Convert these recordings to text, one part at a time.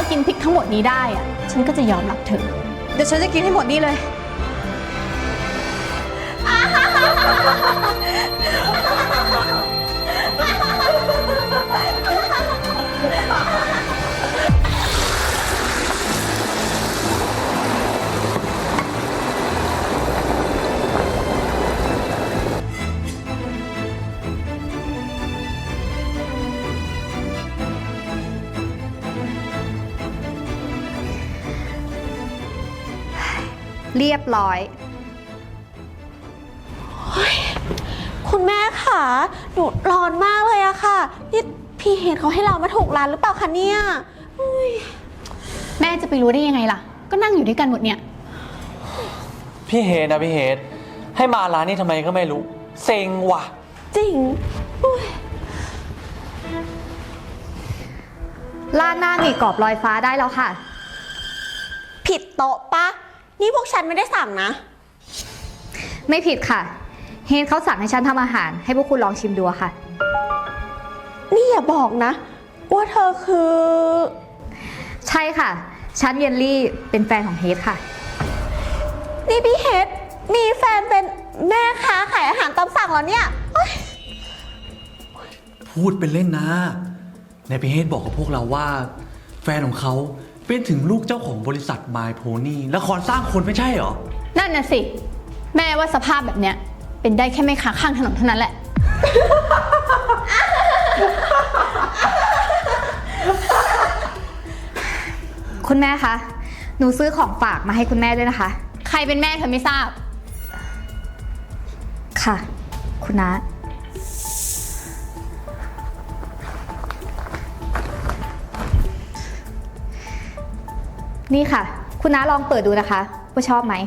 กินพริกทั้งหมดนี้ได้อะฉันก็จะยอมรับเธอเดี๋ยวฉันจะกินให้หมดนี่เลยเรียบร้อยคุณแม่ค่ะหนูร้อนมากเลยอะค่ะนี่พี่เห็นเขาให้เรามาถูกร้านหรือเปล่าคะเนี่ยแม่จะไปรู้ได้ยังไงล่ะก็นั่งอยู่ด้วยกันหมดเนี่ยพี่เฮดนะพี่เฮดให้มาร้านนี้ทำไมก็ไม่รู้เซ็งว่ะจริงลาดหน้าหมี่กรอบลอยฟ้าได้แล้วค่ะผิดโต๊ะปะนี่พวกฉันไม่ได้สั่งนะไม่ผิดค่ะเฮนเขาสั่งให้ฉันทำอาหารให้พวกคุณลองชิมดูค่ะนี่อย่าบอกนะว่าเธอคือใช่ค่ะฉันเยลลี่เป็นแฟนของเฮดค่ะนี่พี่เฮดมีแฟนเป็นแม่ค้าขายอาหารตามสั่งเหรอเนี่ยพูดเป็นเล่นนะในพี่เฮดบอกกับพวกเราว่าแฟนของเขาเป็นถึงลูกเจ้าของบริษัท My Pony ละครสร้างคนไม่ใช่เหรอนั่นน่ะสิแม่ว่าสภาพแบบเนี้ยเป็นได้แค่แม่ค้าข้างถนนเท่านั้นแหละ คุณแม่คะหนูซื้อของฝากมาให้คุณแม่ด้วยนะคะใครเป็นแม่เธอไม่ทราบค่ะคุณน้านี่ค่ะคุณน้าลองเปิดดูนะคะว่าชอบไหม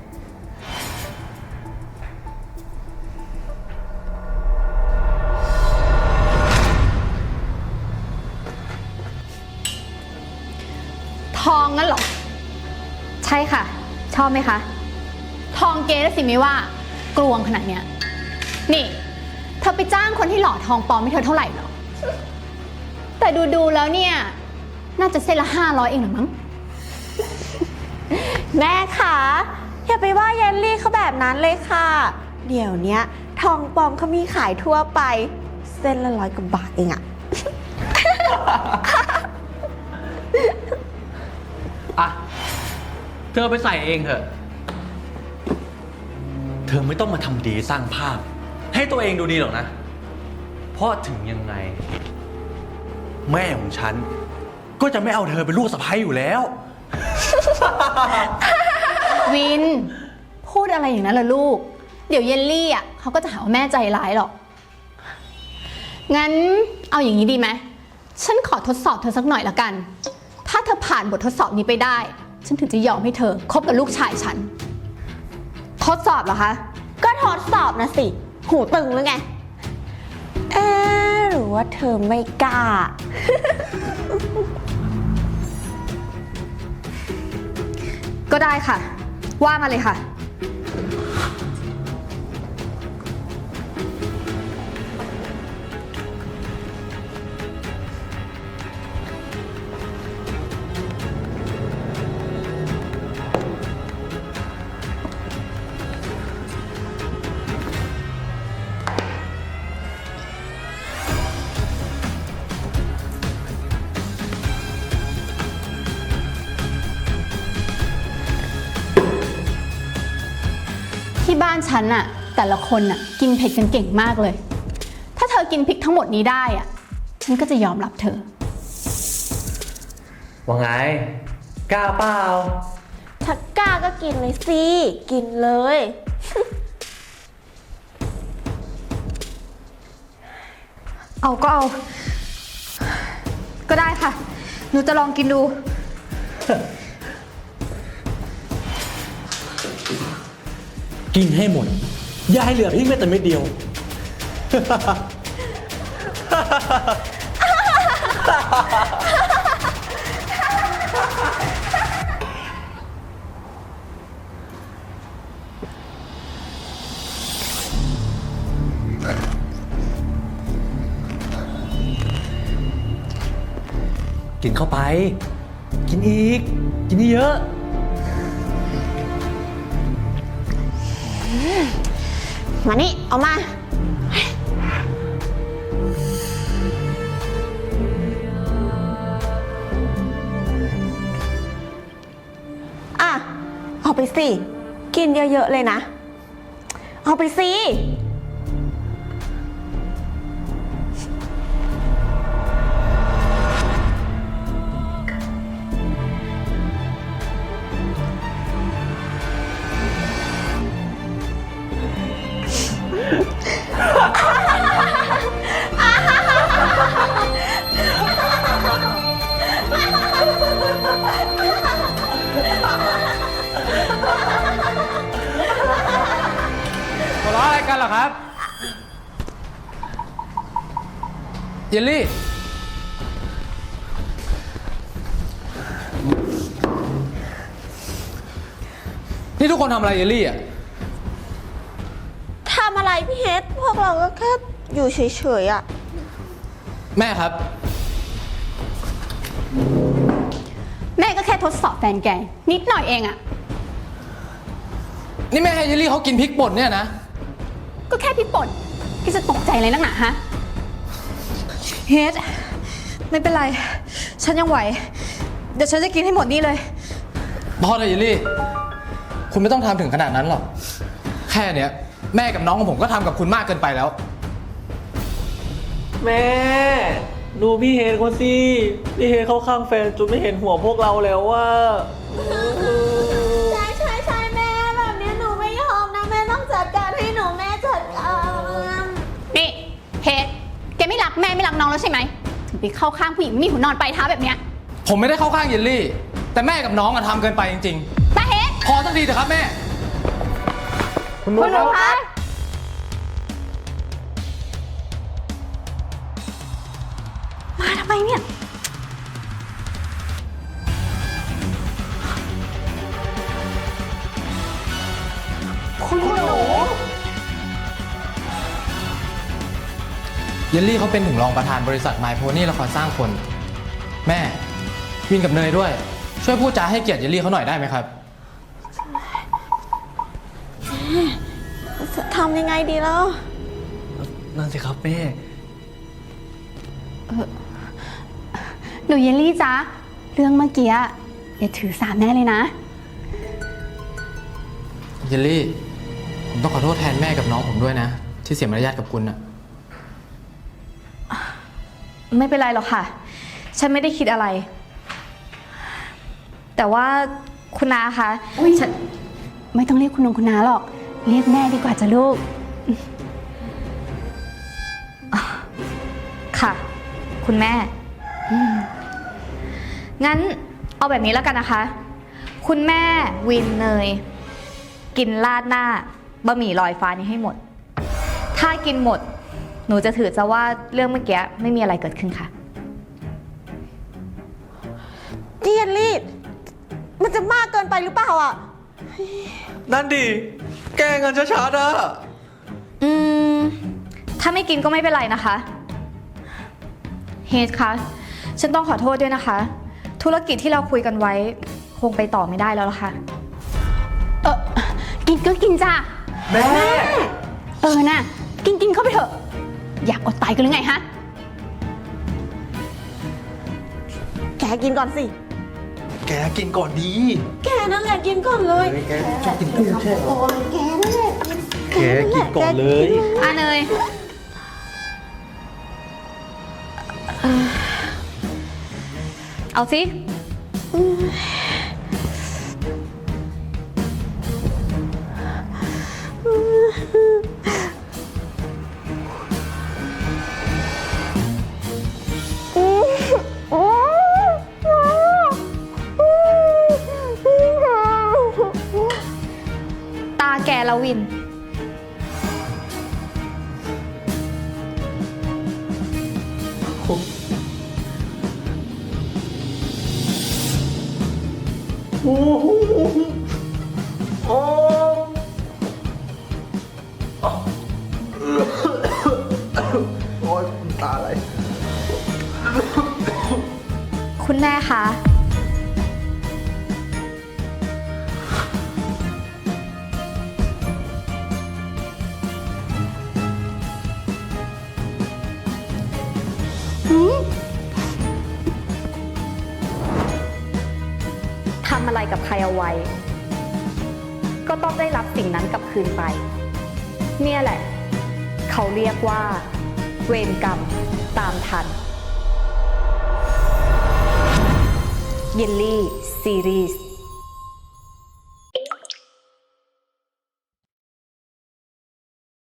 ทองงั้นเหรอใช่ค่ะชอบไหมคะทองเก๊สิไม่ว่ากลวงขนาดเนี้ยนี่เธอไปจ้างคนที่หล่อทองปลอมให้เธอเท่าไหร่หรอแต่ดูแล้วเนี่ยน่าจะเส้นละ500เองหรือมั้งแม่คะอย่าไปว่าเยลลี่เขาแบบนั้นเลยค่ะเดี๋ยวนี้ทองปลอมเขามีขายทั่วไปเส้นละ100 กว่าบาทเองอะอ่ะเธอไปใส่เองเถอะเธอไม่ต้องมาทำดีสร้างภาพให้ตัวเองดูดีหรอกนะเพราะถึงยังไงแม่ของฉันก็จะไม่เอาเธอเป็นลูกสะใภ้อยู่แล้ววินพูดอะไรอย่างนั้นล่ะลูกเดี๋ยวเยลลี่อ่ะเขาก็จะหาว่าแม่ใจร้ายหรอกงั้นเอาอย่างนี้ดีไหมฉันขอทดสอบเธอสักหน่อยละกันถ้าเธอผ่านบททดสอบนี้ไปได้ฉันถึงจะยอมให้เธอคบกับลูกชายฉันทดสอบเหรอคะก็ทดสอบนะสิหูตึงหรือไงหรือว่าเธอไม่กล้าก็ได้ค่ะว่ามาเลยค่ะที่บ้านฉันน่ะแต่ละคนน่ะกินเผ็ดกันเก่งมากเลยถ้าเธอกินพริกทั้งหมดนี้ได้อ่ะฉันก็จะยอมรับเธอว่าไงกล้าเปล่าถ้ากล้าก็กินเลยสิกินเลยเอาก็เอาก็ได้ค่ะหนูจะลองกินดูกินให้หมดอย่าให้เหลือพริกแม้แต่เม็ดเดียวกินเข้าไปกินอีก กินเยอะมานี่ เอามา อ่ะ เอาไปสิ กินเยอะๆเลยนะ เอาไปสิหัวเราะอะไรกันเหรอครับ เยลลี่ นี่ทุกคนทำอะไรเยลลี่อ่ะทำอะไรพี่เฮดพวกเราก็แค่อยู่เฉยๆอ่ะแม่ครับแม่ก็แค่ทดสอบแฟนแกนิดหน่อยเองอะนี่แม่ให้เยลลี่เขากินพริกป่นเนี่ยนะก็แค่พริกป่นที่จะตกใจอะไรนักหนาฮะเฮดไม่เป็นไร ฉันยังไหว เดี๋ยวฉันจะกินให้หมดนี่เลยพอเลยเยลลี่ คุณไม่ต้องทำถึงขนาดนั้นหรอก แค่เนี้ยแม่กับน้องของผมก็ทำกับคุณมากเกินไปแล้วแม่ ดูพี่เฮดเขาสิ พี่เฮดเขาข้างแฟนจนไม่เห็นหัวพวกเราแล้วว่าใช่แม่แบบนี้หนูไม่ยอมนะ แม่ต้องจัดการให้หนูแม่จัดการนี่เฮดแกไม่รักแม่ไม่รักน้องแล้วใช่ไหมถึงไปเข้าข้างผู้หญิงไม่มีหัวนอนปลายเท้าแบบเนี้ยผมไม่ได้เข้าข้างเยลลี่ แต่แม่กับน้องอะทำเกินไปจริงตาเฮดๆ พอสักทีเถอะครับแม่คุณหนูคะมาทำไมเนี่ยคุณหนูเยลลี่เขาเป็นถึงรองประธานบริษัทไมโพนี่ละครสร้างคน แม่วินกับเนยด้วย ช่วยพูดจาให้เกียรติเยลลี่เขาหน่อยได้ไหมครับจะทำยังไงดีแล้วนั่นสิครับแม่หนูเยลลี่จ๊ะเรื่องเมื่อกี้อย่าถือสาแม่เลยนะเยลลี่ ผมต้องขอโทษแทนแม่กับน้องผมด้วยนะ ที่เสียมารยาทกับคุณอะไม่เป็นไรหรอกค่ะ ฉันไม่ได้คิดอะไร แต่ว่าคุณนาคะอุ๊ยฉันไม่ต้องเรียกคุณนงคุณน้าหรอก เรียกแม่ดีกว่าจ้ะลูกค่ะ คุณแม่งั้นเอาแบบนี้แล้วกันนะคะ คุณแม่วินเนย กินราดหน้าบะหมี่ลอยฟ้านี้ให้หมด ถ้ากินหมด หนูจะถือซะว่าเรื่องเมื่อกี้ไม่มีอะไรเกิดขึ้นค่ะเดียนลี่ มันจะมากเกินไปหรือเปล่าอ่ะนั่นดิ แกล้งกันชัดๆอะอืม ถ้าไม่กินก็ไม่เป็นไรนะคะ เฮดคะ ฉันต้องขอโทษด้วยนะคะ ธุรกิจที่เราคุยกันไว้ คงไปต่อไม่ได้แล้วล่ะค่ะกินก็กินจ้ะแม่น่ะ กินเข้าไปเถอะ อยากอดตายกันหรือไงฮะแกกินก่อนสิแกกินก่อนดีแกนั่นแหละกินก่อนเลยแกชอบกินกุ้งใช่ไหมโอ้ยแกนั่นแหละแกกินก่อนเลยอ่ะเนย เอาสิ ตาแกแล้ววิน คุณแม่คะทำอะไรกับใครเอาไว้ ก็ต้องได้รับสิ่งนั้นกลับคืนไป เนี่ยแหละ เขาเรียกว่า เวรกรรมตามทัน เยลลี่ซีรีส์